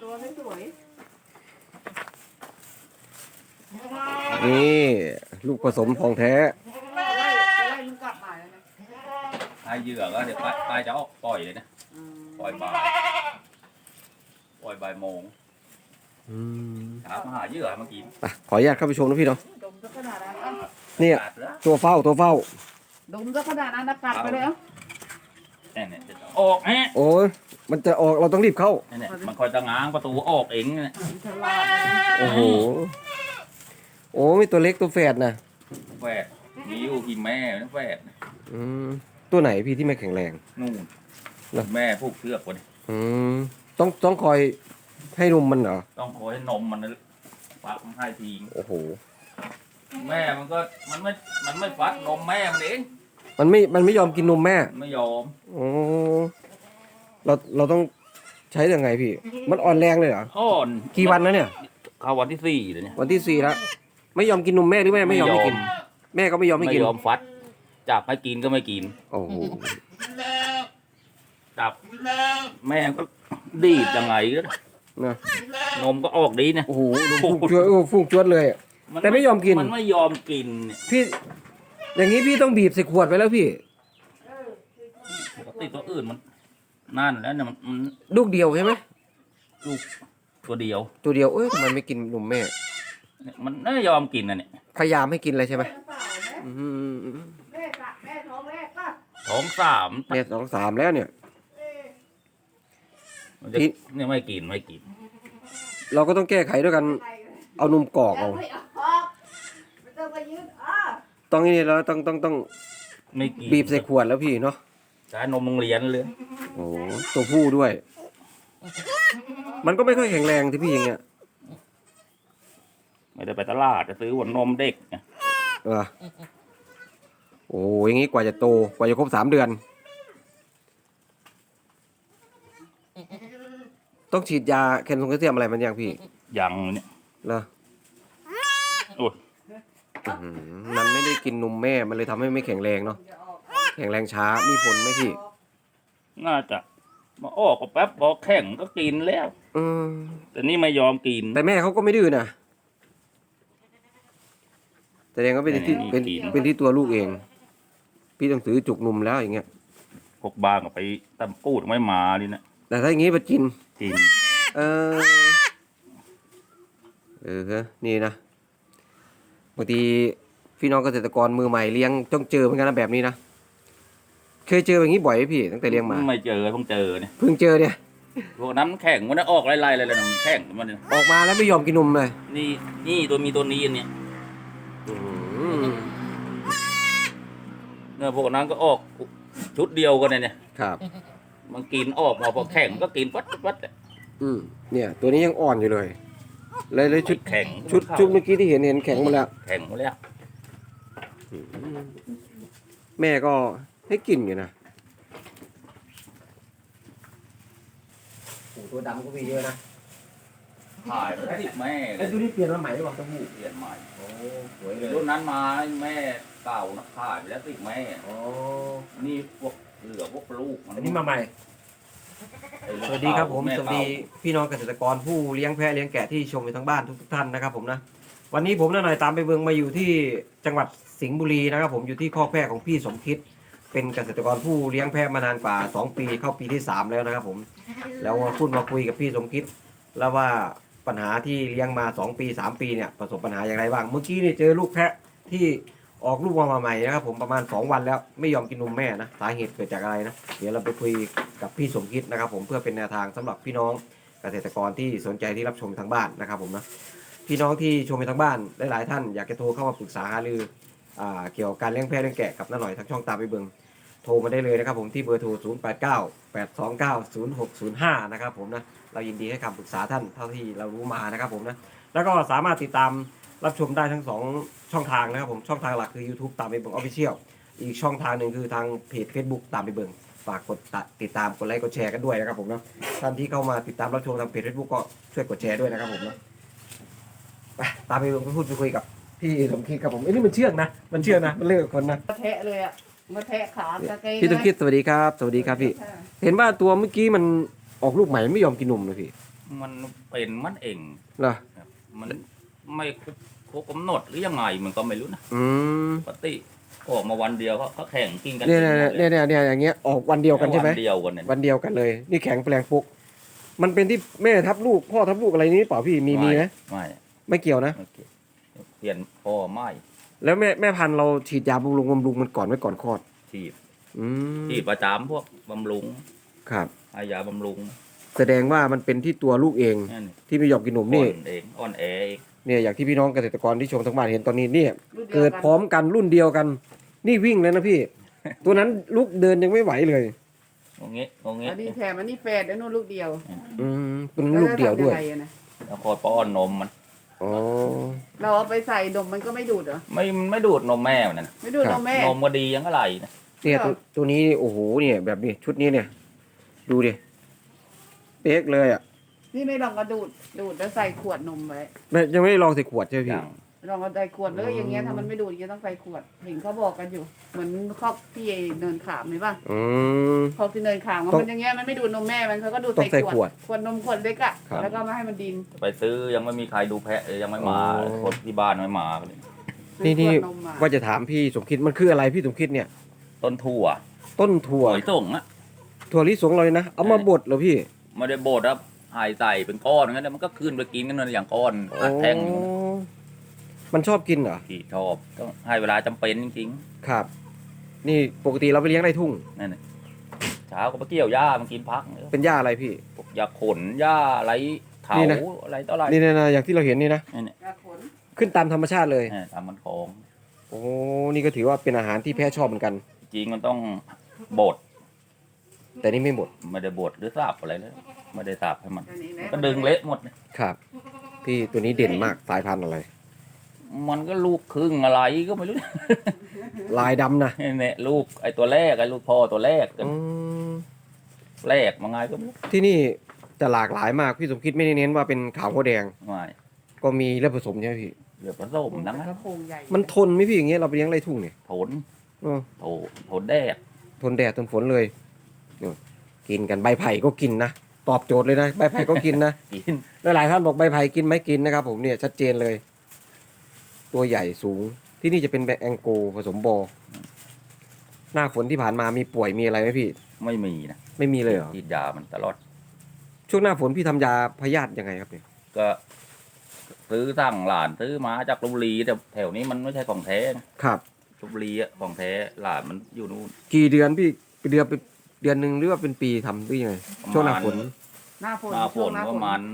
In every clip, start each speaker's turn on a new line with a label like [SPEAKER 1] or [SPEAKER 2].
[SPEAKER 1] ตัวไม่สวย
[SPEAKER 2] นี่ลูกผสมของแท้
[SPEAKER 1] อะไรมันกลับมาแล้วนะ
[SPEAKER 3] ให้เหยื่อก็เดี๋ยวปลายจะออกปล่อยเลยนะปล่อยบ่ายโมงถามหาเหยื่อเมื่อกี้
[SPEAKER 2] ไปขออนุญาตเข้าไปชมนะพี่เนาะ
[SPEAKER 1] ดมซะขนาดนั้น
[SPEAKER 2] เนี่ย
[SPEAKER 3] กัดแล้ว
[SPEAKER 2] ตัวเฝ้า
[SPEAKER 1] ดมซะขนาดนั้นนะกัดไปเลยเอ้า
[SPEAKER 3] เนี่ยจะออกฮะ
[SPEAKER 2] โอ้ยมันจะออกเราต้องรีบเข้า
[SPEAKER 3] เนี่ยมันคอยจะง้างประตูออกเองเนี่ย
[SPEAKER 1] มันฉลาดเลย
[SPEAKER 2] โอ้โหโอ้มีตัวเล็กตัวแฝดนะ
[SPEAKER 3] แฝดมีอยู่กี่แม่นะแฝด
[SPEAKER 2] อืมตัวไหนพี่ที่ไม่แข็งแรง
[SPEAKER 3] นู่น
[SPEAKER 2] เหรอ
[SPEAKER 3] แม่ผูกเชือกคน
[SPEAKER 2] อืมต้องคอยให้นมมันเหรอ
[SPEAKER 3] ต้องคอยให้นมมันฟักมันให้ทิ้ง
[SPEAKER 2] โอ้โห
[SPEAKER 3] แม่มันไม่ฟัดนมแม่มันเอง
[SPEAKER 2] มันไม่ยอมกินนมแม่
[SPEAKER 3] ไม่ยอม
[SPEAKER 2] โอ้เราต้องใช้ยังไงพี่ มันอ่อนแรงเลยเหรอ
[SPEAKER 3] อ่อน
[SPEAKER 2] กี่วันแล้วเนี่ย
[SPEAKER 3] เข้าวันที่4เลยเนี่ย
[SPEAKER 2] วันที่ 4แล้วไม่ยอมกินนมแม่หรือแม่ไม่ยอมให้กิน แม่ก็ไม่ยอมให้
[SPEAKER 3] ไม่
[SPEAKER 2] กิน
[SPEAKER 3] ยอมฟัดจับให้กินก็ไม่กิน
[SPEAKER 2] โอ้โห
[SPEAKER 3] จับแม่ก็ดีดยังไงก็
[SPEAKER 2] นะ
[SPEAKER 3] นมก็ออกดีเนี่ย
[SPEAKER 2] โอ้โหนมฟุ้งจวดฟุ้งจวดเลยอะ แต่ไม่ยอมกิน
[SPEAKER 3] มันไม่ยอมกินเนี่ย
[SPEAKER 2] พี่ อย่างนี้พี่ต้องบีบใส่ขวดไปแล้วพี่
[SPEAKER 3] ปกติตัวอื่นมันนั่นแล้วเนี่ยมัน
[SPEAKER 2] ลูกเดียวใช่ไหม
[SPEAKER 3] ลูกตัวเดียว
[SPEAKER 2] ตัวเดียวเอ้ยทำไมไม่กินนมแม่
[SPEAKER 3] เนี่ยมันไม่ยอมกินนะเนี่ย
[SPEAKER 2] พยายามให้กินอะไรใช่ไหม
[SPEAKER 1] เปล่าไหม
[SPEAKER 2] อืม
[SPEAKER 1] แม่กะแม่ท้องแรกป่ะ
[SPEAKER 3] ท้อง3
[SPEAKER 2] เนี่ย2-3แล้วเนี่ย
[SPEAKER 3] มันจะ
[SPEAKER 2] พี่
[SPEAKER 3] เนี่ยไม่กิน
[SPEAKER 2] เราก็ต้องแก้ไขด้วยกัน
[SPEAKER 1] ใครเลย
[SPEAKER 2] เอานมกรอก
[SPEAKER 1] ยั
[SPEAKER 2] เอา
[SPEAKER 1] งไม่ออกไม่ต้องไปยืด
[SPEAKER 2] ต้องนี่แล้วต้อง
[SPEAKER 3] ไม่กิน
[SPEAKER 2] บีบใส่ขวดแล้วพี่เนาะ
[SPEAKER 3] ใช้นมโรงเรียนเลย
[SPEAKER 2] โอ้โหตัวผู้ด้วย มันก็ไม่ค่อยแข็งแรงที่พี่อย่างเงี้ย
[SPEAKER 3] ไม่ได้ไปตลาดจะซื้อหัวนมเด็กเนี่ย
[SPEAKER 2] เออโอ้ยอย่างงี้กว่าจะโตกว่าจะครบ3 เดือน ต้องฉีดยาแคลเซียมอะไรมันยังพี่
[SPEAKER 3] ยังเนี่ย
[SPEAKER 2] เหรอ
[SPEAKER 3] โอ้ย
[SPEAKER 2] อื้อหือมันไม่ได้กินนมแม่มันเลยทำให้ไม่แข็งแรงเนาะ
[SPEAKER 1] จะออก
[SPEAKER 2] แข็งแรงช้ามีผลไหมพี่
[SPEAKER 3] น่าจะมาออกก็แป๊บพอแข่งก็กินแล้ว
[SPEAKER 2] อืม
[SPEAKER 3] แต่นี่ไม่ยอมกิน
[SPEAKER 2] แต่แม่เขาก็ไม่ดื้อนะแสดงว่าเป็นที่เป็นที่ตัวลูกเอง พี่ต้องซื้อจุกนมแล้วอย่างเงี้ย
[SPEAKER 3] พวกบ้านก็ไปตำกูดไม่มาดินะ
[SPEAKER 2] แต่ถ้าอย่างงี้ไปกิน
[SPEAKER 3] กิน
[SPEAKER 2] เออนี่นะบางทีพี่น้องเกษตรกรมือใหม่เลี้ยงต้องเจอเหมือนกันนะแบบนี้นะเคยเจออย่างนี้บ่อยไหมพี่ตั้งแต่เลี้ยงมา
[SPEAKER 3] ไม่เจอเพิ่งเจอเนี่ย
[SPEAKER 2] เพิ่งเจอเนี่ย
[SPEAKER 3] พวกนั้นมันแข่งมันออกไล่ๆเลยนะมันแข่งมันเนี่ย
[SPEAKER 2] ออกมาแล้วไม่ยอมกินนมเลย
[SPEAKER 3] นี่ตัวมีตัวนี้อันเนี่ย
[SPEAKER 2] อืม
[SPEAKER 3] เนี่ยพวกนั้นก็ออกชุดเดียวกันเนี่ย
[SPEAKER 2] ครับ
[SPEAKER 3] มันกินออกมาพอแข่งก็กินวัด
[SPEAKER 2] อืมเนี่ย ตัวนี้ยังอ่อนอยู่เลยเลยชุด
[SPEAKER 3] แข่ง
[SPEAKER 2] ชุดเมื่อกี้ที่เห็นแข็งหมดแล้ว
[SPEAKER 3] แข่งหมดแล้ว
[SPEAKER 2] แม่ก็ให้กินอยู่นะตัวดำก็มีเยอะนะ
[SPEAKER 3] ถ่ายไปติดแม่
[SPEAKER 2] ไอ้ตัวนี้เปลี่ยนมาใหม่หรือเปล่าเต้าหู้
[SPEAKER 3] เปลี่ยนใหม่
[SPEAKER 2] โอ้สวยเลย
[SPEAKER 3] รุ่นนั้นมาแม่เก่านะถ่ายไปแล้วติดแม่
[SPEAKER 2] โอ้
[SPEAKER 3] นี่พวกเหลือพวกลูก
[SPEAKER 2] อันนี้มาใหม่
[SPEAKER 3] ไอ้ลูก
[SPEAKER 2] สวัสดีครับผม
[SPEAKER 3] แ
[SPEAKER 2] สวัสดีพี่น้องเกษตรกรผู้เลี้ยงแพะเลี้ยงแกะที่ชมอยู่ทั้งบ้านทุกท่านนะครับผมนะวันนี้ผมน้าหน่อยตามไปเบืองมาอยู่ที่จังหวัดสิงห์บุรีนะครับผมอยู่ที่คอกแพะของพี่สมคิดเป็นเกษตรกรผู้เลี้ยงแพะมานานกว่า2 ปีเข้าปีที่3แล้วนะครับผมแล้วมาพูดมาคุยกับพี่สมคิดแล้วว่าปัญหาที่เลี้ยงมา2 ปี3 ปีเนี่ยประสบปัญหาอย่างไรบ้างเมื่อกี้นี่เจอลูกแพะที่ออกลูกมาใหม่นะครับผมประมาณ2 วันแล้วไม่ยอมกินนมแม่นะสาเหตุเกิดจากอะไรนะเดี๋ยวเราไปคุยกับพี่สมคิดนะครับผมเพื่อเป็นแนวทางสำหรับพี่น้องเกษตรกรที่สนใจที่รับชมทางบ้านนะครับผมนะพี่น้องที่ชมไปทางบ้านหลายๆท่านอยากจะโทรเข้ามาปรึกษาหารือเกี่ยวกับการเลี้ยงแพะเลี้ยงแกะกับน้าหน่อยทางช่องตามไปเบิงโทรมาได้เลยนะครับผมที่เบอร์โทร 0898290605 นะครับผมนะเรายินดีให้คำปรึกษาท่านเท่าที่เรารู้มานะครับผมนะแล้วก็สามารถติดตามรับชมได้ทั้ง2ช่องทางนะครับผมช่องทางหลักคือ YouTube ตามไปเบิง Official อีกช่องทางหนึ่งคือทางเพจ Facebook ตามไปเบิงฝากกดติดตามกดไลค์กดแชร์กันด้วยนะครับผมนะท่านที่เข้ามาติดตามรับชมทางเพจ Facebook ก็ช่วยกดแชร์ด้วยนะครับผมนะไปตามไปเบิงไปพูดไปคุยกับพี่สมคิดครับผมไอ้นี่มันเชื่องนะมันเชื่องนะมันเลือกคนนะ
[SPEAKER 1] มาแทะเลยอ่ะมาแทะขาตะเกง
[SPEAKER 2] พี่สมคิดสวัสดีครับสวัสดีครับพี่เห็นว่าตัวเมื่อกี้มันออกลูกใหม่ไม่ยอมกินนมเลยพี่
[SPEAKER 3] มันเป็นมันเอง
[SPEAKER 2] เหรอ
[SPEAKER 3] ครับมันไม่ครบกำหนดหรือยังไงมันก็ไม่รู้นะ
[SPEAKER 2] อืม
[SPEAKER 3] ปกติออกมาวันเดียวเขาแข่งกินกัน
[SPEAKER 2] เนี่ยอย่างเงี้ยออกวันเดียวกันใช่ไหม
[SPEAKER 3] วันเดียวกันเนี่ย
[SPEAKER 2] วันเดียวกันเลย นี่แข็งแปลงปุ๊กมันเป็นที่แม่ทับลูกพ่อทับลูกอะไรนี้เปล่าพี่มีไหม
[SPEAKER 3] ไม่
[SPEAKER 2] ไม่เกี่ยวนะ
[SPEAKER 3] ไม่เกี่ยวเปลี่ยนพ่อไม่
[SPEAKER 2] แล้วแม่พันธุ์เราฉีดยาบำรุงมันก่อนไว้ก่อนคลอด
[SPEAKER 3] ฉีด
[SPEAKER 2] อืม
[SPEAKER 3] ฉีดประจำพวกบำรุง
[SPEAKER 2] ครับ
[SPEAKER 3] ให้ยาบำรุง
[SPEAKER 2] แสดงว่ามันเป็นที่ตัวลูกเอง
[SPEAKER 3] นั่นนี่
[SPEAKER 2] ที่ไม่ยอมกินนมนี่
[SPEAKER 3] อ่อนแอเอง
[SPEAKER 2] เนี่ยอย่างที่พี่น้องเกษตรกรที่ชมทั้งบ้านเห็นตอนนี้เนี่ย
[SPEAKER 1] รุ่นดียว
[SPEAKER 2] เกิดพร้อมกันรุ่นเดียวกัน นี่วิ่งแล้วนะพี่ ตัวนั้นลูกเดินยังไม่ไหวเลย
[SPEAKER 3] งงี้งงี้
[SPEAKER 1] อันนี้แถมอันนี้แฝดแล้วนู่นลูกเดียว
[SPEAKER 2] อืมเป็นลูกเดียวด้วย
[SPEAKER 1] แล้จะทำงไงอะนะ
[SPEAKER 3] แล้วคอยป้อนนมมัน
[SPEAKER 2] อ๋อ
[SPEAKER 1] เราเอาไปใส่นมมันก็ไม่ดูดเหรอ
[SPEAKER 3] มันไม่ดูดนมแม่มันนะ
[SPEAKER 1] ไม่ดูด
[SPEAKER 2] ครั
[SPEAKER 1] น
[SPEAKER 2] บ
[SPEAKER 1] มแม่
[SPEAKER 3] นมก็ดียังก็ไหลนะ
[SPEAKER 2] เนี่ยตัวนี้โอ้โหเนี่ยแบบนี้ชุดนี้เนี่ย ดูดิเป๊กเลยอ่ะ
[SPEAKER 1] นี่ไม่ลองกระดูดแล้วใส่ขวดนมไว้
[SPEAKER 2] ยังไม่ได้ลองใส่ขวดใช่ไหม
[SPEAKER 3] อ
[SPEAKER 2] พี่
[SPEAKER 3] ย่าง
[SPEAKER 1] ลองเอาใส่ขวดเลย
[SPEAKER 2] อืม
[SPEAKER 1] อย่างเงี้ยถ้ามันไม่ดูดอย่างเงี้ยต้องใส่ขวดเห็นเขาบอกกันอยู่ เหมือนครอบที่เนินขามไหมป่ะ
[SPEAKER 2] อืม
[SPEAKER 1] ครอบที่เนินขาม
[SPEAKER 2] ต้อง
[SPEAKER 1] มันอย่างเงี้ยมันไม่ดูดนมแม่มันเขาก็ดูด
[SPEAKER 2] ต้องใส่ขวด
[SPEAKER 1] ขวดนมขวดเล็กอะ
[SPEAKER 2] ครับ
[SPEAKER 1] แล้วก็มาให้มันดิน
[SPEAKER 3] ไปซื้อยังไม่มีใครดูแพะยังไม่มา
[SPEAKER 2] อ๋อ
[SPEAKER 3] คนที่บ้านไม่มาเลย
[SPEAKER 2] นี่
[SPEAKER 1] ซื้อขวดนมมา
[SPEAKER 2] ว่าจะถามพี่สมคิดมันคืออะไรพี่สมคิดเนี่ย
[SPEAKER 3] ต้นถั่ว
[SPEAKER 2] ต้นถั่ว
[SPEAKER 3] หอยส่งอะ
[SPEAKER 2] ถั่วลิสงเลยนะเอามาบดเหรอพี่
[SPEAKER 3] ไม่ได้บดครับหายใส่เป็นก้อนงั้นเดี๋ยวมันก็ขึ้นไปกินกันเลยอย่างก้อนอัดแท่งอยู่นะ
[SPEAKER 2] อ๋อมันชอบกินเหรอ
[SPEAKER 3] ที่ชอบต้องให้เวลาจำเป็นจริง
[SPEAKER 2] ครับ นี่ปกติเราไปเลี้ยงในทุ่ง
[SPEAKER 3] ๆนั่นน่ะเช้าก็ไปเกี่ยวหญ้ามันกินพัก
[SPEAKER 2] เป็นหญ้าอะไรพี่
[SPEAKER 3] พวกหญ้าขนหญ้าอะไรเถา
[SPEAKER 2] นี่นะ
[SPEAKER 3] อะไรต่ออะไร
[SPEAKER 2] นี่นะอย่างที่เราเห็นนี่นะ
[SPEAKER 3] นี่เนี่ย
[SPEAKER 1] กระขน
[SPEAKER 2] ขึ้นตามธรรมชาติเลย
[SPEAKER 3] ตามมันของ
[SPEAKER 2] โอ้นี่ก็ถือว่าเป็นอาหารที่แพ้ชอบเหมือนกัน
[SPEAKER 3] จริงมันต้องบด
[SPEAKER 2] แต่นี่ไม่หมด
[SPEAKER 3] ไม่ได้บดหรือสับอะไรเลยไม่ได้สับให้มัน
[SPEAKER 1] อันนี้นะ
[SPEAKER 3] ก็ดึงเละหมดเนี่ย
[SPEAKER 2] ครับ พี่ตัวนี้เด่นมากสายพันธุ์อะไร
[SPEAKER 3] มันก็ลูกครึ่งอะไรก็ไม่รู้
[SPEAKER 2] ลายดำนะ
[SPEAKER 3] เนี่ยลูกไอ้ตัวแรกไอ้ลูกพ่อตัวแรก
[SPEAKER 2] อืม
[SPEAKER 3] แรกมาไงก็ไม่รู้
[SPEAKER 2] ที่นี่จะหลากหลายมากพี่สมคิดไม่ได้เน้นว่าเป็นขาวโพแดง
[SPEAKER 3] ไม่
[SPEAKER 2] ก็มีเลือดผสมใช่ไหมพี่
[SPEAKER 3] เดี๋ยวผสมทั้งนั้น
[SPEAKER 1] กระโปรงใหญ่
[SPEAKER 2] มันทนไหมพี่อย่างเงี้ยเราไปเลี้ยงไรทุ่งเนี่ย
[SPEAKER 3] ผล
[SPEAKER 2] เออ
[SPEAKER 3] ผลแดด
[SPEAKER 2] ทนแดดทนฝนเลยเนี่ยกินกันใบไผ่ก็กินนะตอบโจทย์เลยนะใบไผ่ก็กินนะ
[SPEAKER 3] กิน
[SPEAKER 2] หลายๆท่านบอกใบไผ่กินไหมกินนะครับผมเนี่ยชัดเจนเลย ตัวใหญ่สูงที่นี่จะเป็นแบงแองโกผสมบอหน้าฝนที่ผ่านมามีป่วยมีอะไรไหมพี่
[SPEAKER 3] ไม่มีนะ
[SPEAKER 2] ไม่มีเลยเหรอ
[SPEAKER 3] ฉีดยามันตลอด
[SPEAKER 2] ช่วงหน้าฝนพี่ทำยาพยาธิยังไงครับเนี่ย
[SPEAKER 3] ก็ซื้อสั่งหลานซื้อมาจากลพบุรีแต่แถวนี้มันไม่ใช่ของแท้นะครับ ลพบุรีอะของแท้หลานมันอยู่นู่น
[SPEAKER 2] กี่เดือนพี่เป็นเดือนเป็นเดือนหนึ่งหรือว่าเป็นปีทำหรือยังไงช่วงหน้าฝน
[SPEAKER 1] หน้าฝน
[SPEAKER 3] หน้าฝ
[SPEAKER 1] ช่วง
[SPEAKER 3] น
[SPEAKER 1] หน้าฝ
[SPEAKER 3] ประ
[SPEAKER 1] น
[SPEAKER 3] มาณ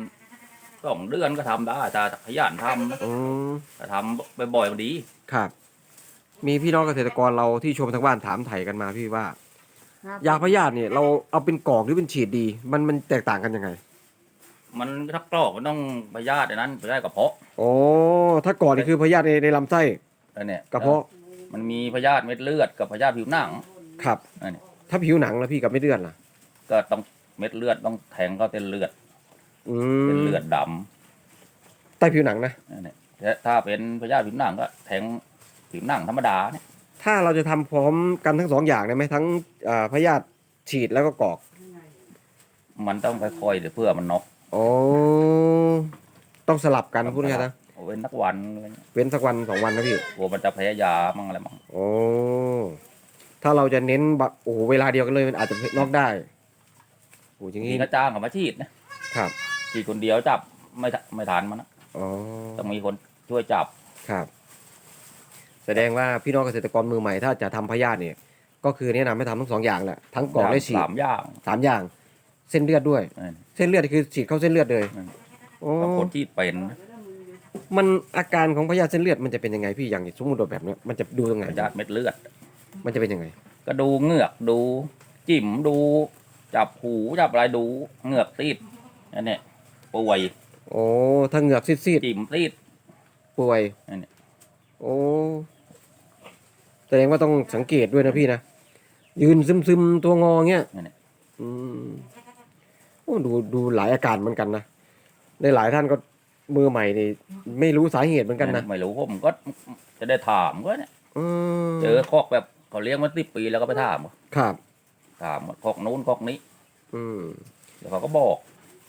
[SPEAKER 3] 2 เดือนก็ทำได้แต่ขยันทำนะ
[SPEAKER 2] อืม
[SPEAKER 3] แต่ทำบ่อยๆมันดี
[SPEAKER 2] ครับ มีพี่น้องเกษตรกรเราที่ชมทางบ้านถามไถ่กันมาพี่ว่า
[SPEAKER 1] หน้ฝน
[SPEAKER 2] ยาพยาธิเนี่ยเราเอาเป็นกรอกหรือเป็นฉีดดี มันแตกต่างกันยังไง
[SPEAKER 3] มันถ้ากรอกมันต้องพยาธิอันนั้นพยาธิกระเพาะ
[SPEAKER 2] โอ้ถ้ากรอกนี่คือพยาธิในลำไส้
[SPEAKER 3] อันเนี้ย
[SPEAKER 2] กระเพาะ
[SPEAKER 3] มันมีพยาธิเม็ดเลือดกับพยาธิผิวหนัง
[SPEAKER 2] ครับ
[SPEAKER 3] อันเนี้ย
[SPEAKER 2] ถ้าผิวหนังแล้วพี่กับไม่เลือดล่ะ
[SPEAKER 3] ก็ต้องเม็ดเลือดต้องแทงเข้าเส้นเลือด
[SPEAKER 2] อื
[SPEAKER 3] เส้น
[SPEAKER 2] ม
[SPEAKER 3] เลือดด
[SPEAKER 2] ใต้ผิวหนังนะ
[SPEAKER 3] ำอันเนี้ยถ้าเป็นพยาธิผิวหนังก็แทงผิวหนังธรรมดาเนี่ย
[SPEAKER 2] ถ้าเราจะทำพร้อมกันทั้งสองอย่างได้ไหมทั้งพยาธิฉีดแล้วก็กรอก
[SPEAKER 3] มันต้องค่อยๆเดี๋ยวเพื่อมันน็อก
[SPEAKER 2] โอ้ต้องสลับกันพูดง่ายๆนะ
[SPEAKER 3] เอาเว้นนักวันอะไรเงี้ย
[SPEAKER 2] เว้นสักวัน2 วันนะพี่
[SPEAKER 3] กลัวมันจะแพ้ยามั่งอะไรมั่ง
[SPEAKER 2] โอ้ถ้าเราจะเน้นแบบโอ้โหเวลาเดียวกันเลยมันอาจจะนอกได้โอ้อย่าง
[SPEAKER 3] ที
[SPEAKER 2] นี้
[SPEAKER 3] ก็จ้างเขามาฉีดนะครับ ฉีดคนเดียวจับไม่ทันมันนะ
[SPEAKER 2] อ๋อ
[SPEAKER 3] ต้องมีคนช่วยจับ
[SPEAKER 2] ครับ แสดงว่าพี่น้องเกษตรกรมือใหม่ถ้าจะทำพยาธิเนี่ย ก็คือแนะนำให้ทำทั้ง2 อย่างแหละทั้งกรอกและฉีด
[SPEAKER 3] 3 อย่าง
[SPEAKER 2] 3 อย่าง เส้นเลือดด้วย
[SPEAKER 3] นั่น
[SPEAKER 2] เส้นเลือดคือฉีดเข้าเส้นเลือดเลย
[SPEAKER 3] อืม
[SPEAKER 2] โอ้
[SPEAKER 3] กับคนที่เป็นนะ
[SPEAKER 2] มันอาการของพยาธิเส้นเลือดมันจะเป็นยังไงพี่อย่างสมมติแบบเนี้ยมันจะดูตรงไหน
[SPEAKER 3] พยาธิเม็ดเลือด
[SPEAKER 2] มันจะเป็นยังไง
[SPEAKER 3] ก็ดูเหงือกดูจิ๋มดูจับหูจับอะไรดูเหงือกตีดอันเนี้ยป่วย
[SPEAKER 2] โอ้ถ้าเหงือกซีด
[SPEAKER 3] จิ๋มตีด
[SPEAKER 2] ๆป่วย
[SPEAKER 3] อันเนี้ย
[SPEAKER 2] โอ้แสดงว่าต้องสังเกตด้วยนะพี่นะยืนซึมๆตัวงอเงี้ย
[SPEAKER 3] อันเนี้ย
[SPEAKER 2] อืมโอ้ดูหลายอาการเหมือนกันนะในหลายท่านก็มือใหม่นี่ไม่รู้สาเหตุเหมือนกันนะ
[SPEAKER 3] ไม่รู้ผมก็จะได้ถามก็เนี่ย
[SPEAKER 2] อืม
[SPEAKER 3] เจอคอกแบบเขาเลี้ยงมา10 ปีแล้วก็ไปถาม
[SPEAKER 2] ครับ
[SPEAKER 3] ถามว่าคอกนู้นคอกนี้
[SPEAKER 2] อืม
[SPEAKER 3] แล้วเขาก็บอก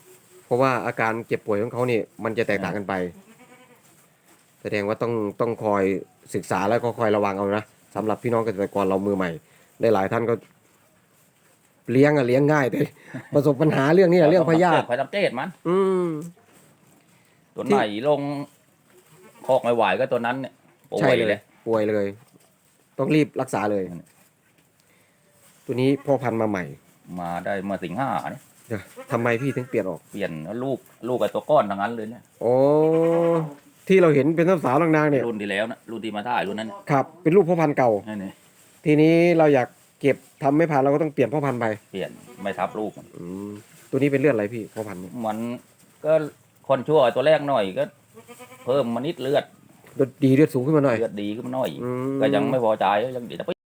[SPEAKER 2] ราะว่าอาการเจ็บป่วยของเขาเนี่ยมันจะแตกต่างกันไป แสดงว่าต้องคอยศึกษาแล้วก็คอยระวังเอานะสำหรับพี่น้องเกษตรกรเรามือใหม่ได้หลายท่านก็เลี้ยงง่ายแต่ ประสบปัญหาเรื่องนี้เรื่องพยาธิ
[SPEAKER 3] คอยสังเกตมัน
[SPEAKER 2] อืม
[SPEAKER 3] ตัวไหนลงคอกไม่ไหวก็ตัวนั้นเนี่ยป่
[SPEAKER 2] ใช่
[SPEAKER 3] วย
[SPEAKER 2] เล
[SPEAKER 3] เลย ย
[SPEAKER 2] ป่วยเลย ต้องรีบรักษาเลย ตัวนี้พ่อพันธุ์มาใหม่
[SPEAKER 3] มาได้เมื่อสิงหาเนี่ย
[SPEAKER 2] เดี๋ยวทำไมพี่ถึงเปลี่ยนออก
[SPEAKER 3] เปลี่ยนแล้วลูกไอ้ตัวก้อนทั้งนั้นเลยเนี่ย
[SPEAKER 2] โอ้ที่เราเห็นเป็นสาวๆนางๆเนี่ย
[SPEAKER 3] รุ่นที่แล้วนะรุ่นที่มาถ่ายรุ่นนั้น
[SPEAKER 2] ครับ เป็นลูกพ่อพันธุ์เก่า
[SPEAKER 3] นี่นี่
[SPEAKER 2] ทีนี้เราอยากเก็บทำไม่ผ่านเราก็ต้องเปลี่ยนพ่อพันธุ์ไป
[SPEAKER 3] เปลี่ยนไม่ทับลูกมัน
[SPEAKER 2] อืมตัวนี้เป็นเลือดอะไรพี่พ่อพันธุ์เนี่ย
[SPEAKER 3] มันก็คนชั่วไอ้ตัวแรกหน่อยก็ เพิ่มมานิดเลือด
[SPEAKER 2] เลือดดีเลือดสูงขึ้นมาหน่อย
[SPEAKER 3] เลือดดีขึ้นมาหน่อย
[SPEAKER 2] อืม
[SPEAKER 3] ก็ยังไม่พอใจยังเดี๋ยว